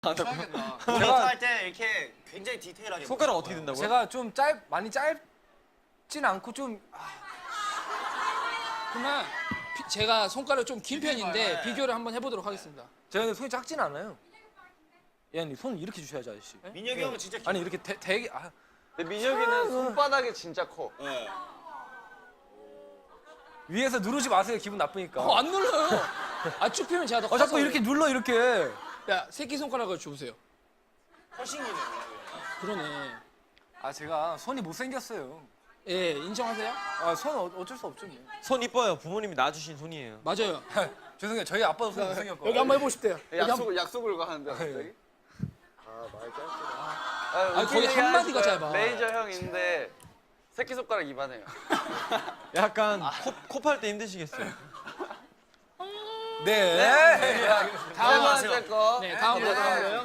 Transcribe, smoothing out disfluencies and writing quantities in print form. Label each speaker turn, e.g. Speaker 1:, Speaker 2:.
Speaker 1: 제가 할 때 이렇게 굉장히 디테일하게.
Speaker 2: 손가락 어떻게 된다고요?
Speaker 3: 제가 좀 많이 짧진 않고 좀
Speaker 4: 그러면 제가 손가락 좀 긴 편인데 비교를 한번 해보도록 하겠습니다.
Speaker 3: 제가 손이 작진 않아요. 얘는 손 이렇게 주셔야지 아저씨.
Speaker 1: 민혁이 형은 진짜
Speaker 3: 아니 이렇게 되게
Speaker 5: 근데 민혁이는 손바닥이 진짜 커.
Speaker 1: 네.
Speaker 3: 위에서 누르지 마세요. 기분 나쁘니까.
Speaker 4: 안 눌러요. 쭉 펴면 제가 더 커서.
Speaker 3: 자꾸 이렇게 눌러 이렇게.
Speaker 4: 야, 새끼 손가락을 줘보세요.
Speaker 1: 훨씬이네.
Speaker 4: 그러네.
Speaker 3: 제가 손이 못생겼어요.
Speaker 4: 예, 인정하세요?
Speaker 3: 손 어쩔 수 없죠. 뭐.
Speaker 2: 손 이뻐요. 부모님이 낳아주신 손이에요.
Speaker 4: 맞아요.
Speaker 3: 죄송해요. 저희 아빠도 손 못생겼고.
Speaker 4: 여기 한번 해보십대요.
Speaker 5: 약속을 가는데 갑자기.
Speaker 4: 거의 한마디가 짧아.
Speaker 5: 레이저 형인데 새끼손가락 이만해요.
Speaker 2: 약간 코 팔 때 힘드시겠어요.
Speaker 3: 네.
Speaker 5: 다음 번째 거.
Speaker 4: 네, 다음 거.